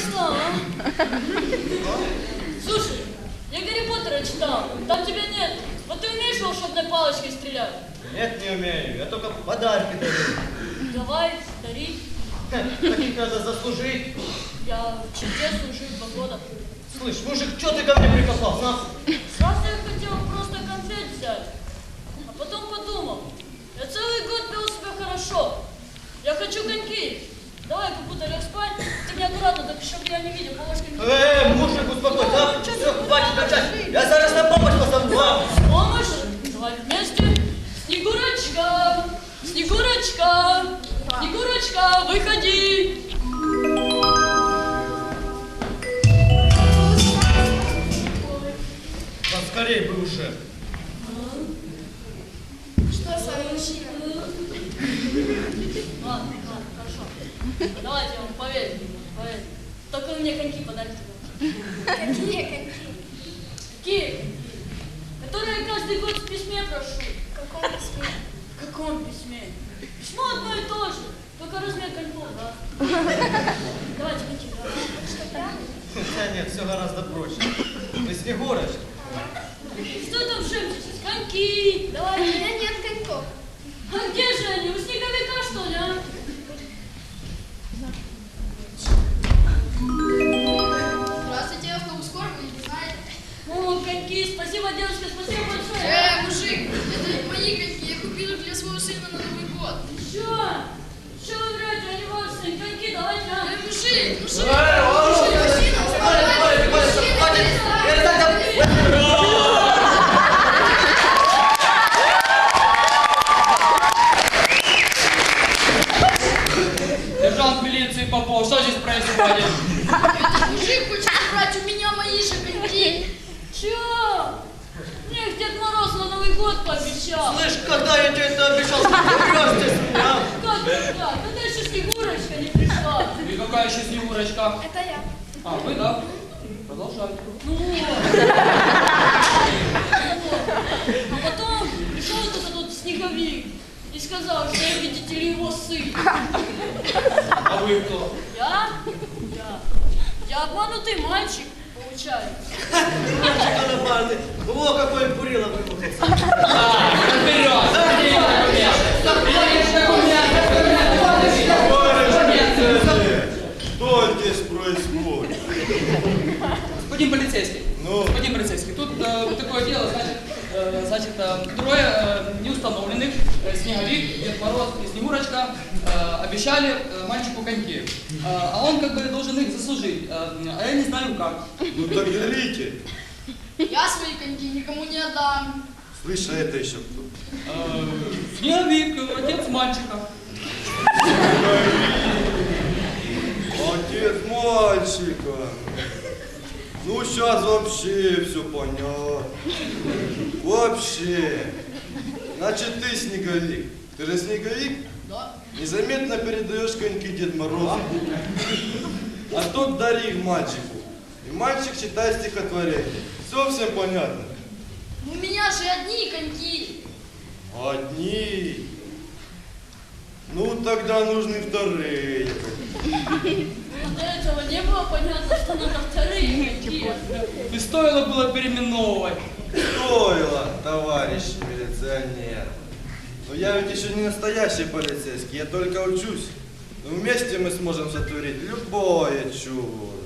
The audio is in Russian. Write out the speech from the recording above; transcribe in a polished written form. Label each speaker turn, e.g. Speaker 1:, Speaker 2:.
Speaker 1: знал, а? Слушай, я Гарри Поттера читал, там тебя нет. Вот ты умеешь волшебной палочкой стрелять?
Speaker 2: Нет, не умею, я только подарки дарю.
Speaker 1: Давай, дари.
Speaker 2: Таких надо заслужить.
Speaker 1: Я в черте служу 2 года.
Speaker 2: Слышь, мужик, что ты ко мне прикопался?
Speaker 1: Сразу я хотел просто конфет взять. А потом подумал, я целый год вел себя хорошо. Я хочу коньки. Давай, как будто лег спать. Ты мне аккуратно, так чтобы я не видел, палочкой не...
Speaker 2: Мужик, успокойся, а? Все, хватит кричать. Я зараз на помощь позову.
Speaker 1: Помощь? Давай вместе. Снегурочка, Снегурочка, Снегурочка, выходи.
Speaker 2: Поскорей бы уже.
Speaker 3: Что с вами, мужчина?
Speaker 1: Ладно, хорошо. Давайте я вам поверю. Только вы мне коньки подарите.
Speaker 3: Какие коньки?
Speaker 1: Какие? Которые я каждый год в письме прошу.
Speaker 3: В каком письме?
Speaker 1: В каком письме? Письмо одно и то же, только размер коньков, да? Давайте коньки, давайте.
Speaker 3: Что, правда?
Speaker 2: Хотя нет, все гораздо проще. Вы Снегурочка.
Speaker 1: Что там шепчетесь? Коньки!
Speaker 3: У
Speaker 1: Давайте.
Speaker 3: меня нет коньков.
Speaker 1: А где же они? У снеговика, что ли, а?
Speaker 3: Здравствуйте, автобус скоро, вы не знаете.
Speaker 1: О, коньки, спасибо, девушка, спасибо большое.
Speaker 3: Мужик, это мои коньки, я купил их для своего сына на Новый год.
Speaker 1: Что вы врете, они ваши коньки, давайте, а?
Speaker 3: Мужик,
Speaker 4: Сержант милиции Попов, что здесь происходит?
Speaker 3: Этот мужик хочет забрать у меня мои же коньки.
Speaker 1: Чё? Мне их Дед Мороз на Новый год пообещал.
Speaker 2: Слышь, когда я тебе это обещал, что ты врешь здесь, а?
Speaker 1: Как? Когда еще Снегурочка не пришла?
Speaker 4: И какая еще Снегурочка?
Speaker 3: Это я.
Speaker 4: А, вы, да? Продолжайте.
Speaker 1: Ну вот. А потом пришел этот вот снеговик и сказал, что я, видите ли, его сын.
Speaker 4: А вы кто?
Speaker 1: Я обманутый мальчик, получается.
Speaker 2: Мальчик конопатый. Во, какой бурило выбухался.
Speaker 5: Что здесь происходит?
Speaker 4: Господин полицейский.
Speaker 5: Ну?
Speaker 4: Господин полицейский, тут такое дело, значит, трое неустановленных, Снеговик, Дед Мороз и Снегурочка, обещали мальчику коньки. А он как бы должен их заслужить, а я не знаю как.
Speaker 5: Ну так делите.
Speaker 3: Я свои коньки никому не отдам.
Speaker 5: Слышь, а это еще кто?
Speaker 4: Снеговик, отец мальчика.
Speaker 5: Отец мальчика. Ну сейчас вообще все понятно. Вообще. Значит, ты Снеговик. Ты же Снеговик?
Speaker 3: Да.
Speaker 5: Незаметно передаешь коньки Дед Морозу. А тот дари их мальчику. И мальчик читает стихотворение. Все всем понятно?
Speaker 3: У меня же одни коньки.
Speaker 5: Одни. Ну тогда нужны вторые.
Speaker 1: До этого не было понятно, что надо вторые коньки.
Speaker 4: И стоило было переименовывать.
Speaker 5: Стоило, товарищ милиционер. Но я ведь еще не настоящий полицейский, я только учусь. Но вместе мы сможем сотворить любое чудо.